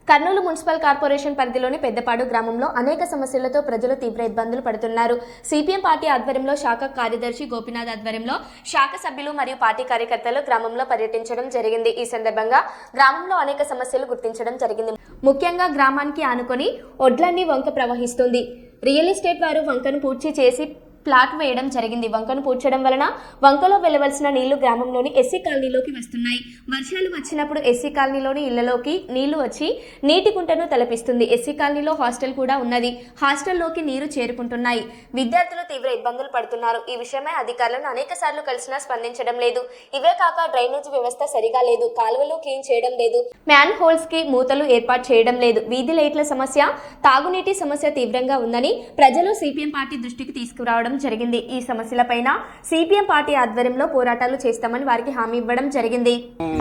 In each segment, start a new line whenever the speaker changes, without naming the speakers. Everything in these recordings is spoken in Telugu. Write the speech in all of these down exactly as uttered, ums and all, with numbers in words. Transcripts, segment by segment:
కర్నూలు మున్సిపల్ కార్పొరేషన్ పరిధిలోని పెద్దపాడు గ్రామంలో అనేక సమస్యలతో ప్రజలు తీవ్ర ఇబ్బందులు పడుతున్నారు. సిపిఎం పార్టీ ఆధ్వర్యంలో శాఖ కార్యదర్శి గోపినాథ్ ఆధ్వర్యంలో శాఖ సభ్యులు మరియు పార్టీ కార్యకర్తలు గ్రామంలో పర్యటించడం జరిగింది. ఈ సందర్భంగా గ్రామంలో అనేక సమస్యలు గుర్తించడం జరిగింది. ముఖ్యంగా గ్రామానికి ఆనుకొని ఒడ్లన్నీ వంక ప్రవహిస్తుంది. రియల్ ఎస్టేట్ వారు వంకను పూడ్చి చేసి ప్లాట్ వేయడం జరిగింది. వంకను పూడ్చడం వలన వంకలో వెళ్లవలసిన నీళ్లు గ్రామంలోని ఎస్సీ కాలనీలోకి వస్తున్నాయి. వర్షాలు వచ్చినప్పుడు ఎస్సీ కాలనీలోని ఇళ్లలోకి నీళ్లు వచ్చి నీటి కుంటను తలపిస్తుంది. ఎస్సీ కాలనీలో హాస్టల్ కూడా ఉన్నది. హాస్టల్లోకి నీరు చేరుకుంటున్నాయి. విద్యార్థులు తీవ్ర ఇబ్బందులు పడుతున్నారు. ఈ విషయమై అధికారులను అనేక సార్లు కలిసినా స్పందించడం లేదు. ఇవే కాక డ్రైనేజ్ వ్యవస్థ సరిగా లేదు. కాలువలు క్లీన్ చేయడం లేదు. మ్యాన్ హోల్స్ కి మూతలు ఏర్పాటు చేయడం లేదు. వీధి లైట్ల సమస్య, తాగునీటి సమస్య తీవ్రంగా ఉందని ప్రజలు సిపిఎం పార్టీ దృష్టికి తీసుకురావడం జరిగింది. ఈ సమస్యలపైన సిపిఎం పార్టీ ఆధ్వర్యంలో పోరాటాలు చేస్తామని వారికి హామీ ఇవ్వడం జరిగింది.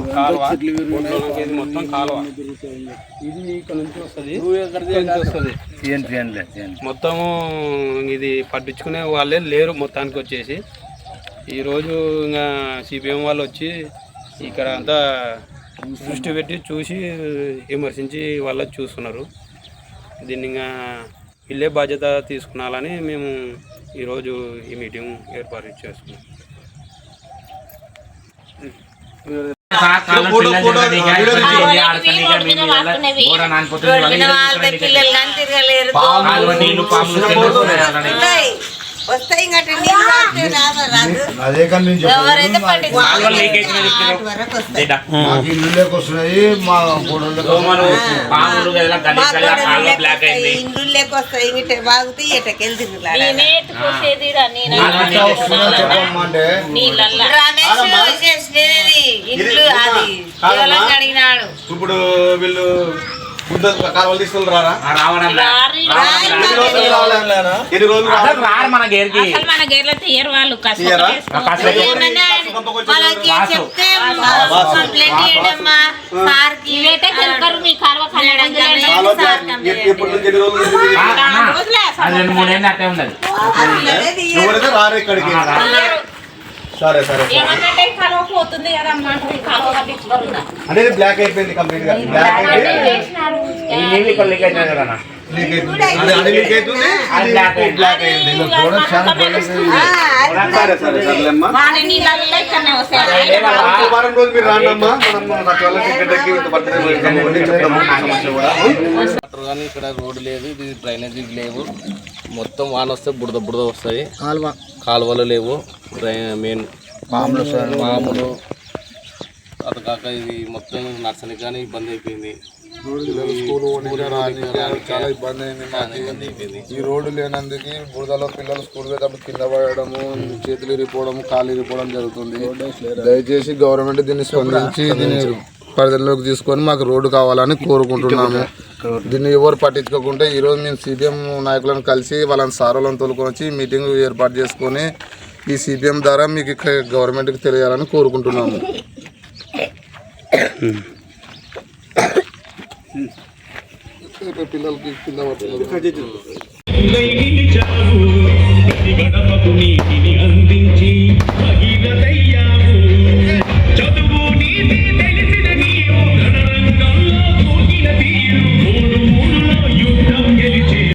మొత్తము ఇది పట్టించుకునే వాళ్ళే లేరు. మొత్తానికి వచ్చేసి ఈరోజు ఇంకా సిపిఎం వాళ్ళు వచ్చి ఇక్కడ అంతా దృష్టి పెట్టి చూసి విమర్శించి వాళ్ళు చూస్తున్నారు. దీన్ని ఇంకా ఇల్లే బాధ్యత తీసుకున్నాలని మేము ఈరోజు ఈ మీటింగ్ ఏర్పాటు చేసుకున్నాం.
వస్తాయి వస్తున్నాయి మా ఇండ్లు లేకొస్తాయి ఇటే బాగుతాయి ఎటకెళ్తే ఇండ్లు అది అడిగినాడు.
ఇప్పుడు వీళ్ళు కాలువలు తీసుకుని రారా
మన గేర్కి
మన గేర్లో తీయరు వాళ్ళు. చెప్తే
రెండు మూడేళ్ళు అట్టే ఉండదు.
రారు ఇక్కడికి. సరే సరే అనేది బ్లాక్ అయిపోయింది కంప్లీట్ గా. బ్లాక్ వారం రోజు మీరు రాండమ్మా.
కానీ ఇక్కడ రోడ్డు లేదు, ఇది డ్రైనేజీ లేవు. మొత్తం వాన వస్తే బుడద బుడద వస్తాయి. కాలువ కాలువలు లేవు. మెయిన్ మామూలు మామూలు అది కాక ఇది మొత్తం నర్సరీ కానీ ఇబ్బంది అయిపోయింది.
చాలా ఇబ్బంది అయింది మాకు. ఈ రోడ్డు లేనందుకు బురదలో పిల్లలు స్కూల్ పోయేటప్పుడు కింద పడడము, చేతులు ఇరిపోవడము, కాళ్ళు ఇరిపోవడం జరుగుతుంది. దయచేసి గవర్నమెంట్ దీన్ని స్పందించి దీన్ని పరిధిలోకి తీసుకొని మాకు రోడ్డు కావాలని కోరుకుంటున్నాము. దీన్ని ఎవరు పట్టించుకోకుంటే ఈరోజు మేము సిపిఎం నాయకులను కలిసి వాళ్ళని సారోలను తోలుకొని వచ్చి మీటింగ్ ఏర్పాటు చేసుకొని ఈ సిపిఎం ద్వారా మీకు గవర్నమెంట్కి తెలియాలని కోరుకుంటున్నాము. పిల్లలకి కింద పడుతున్నారు.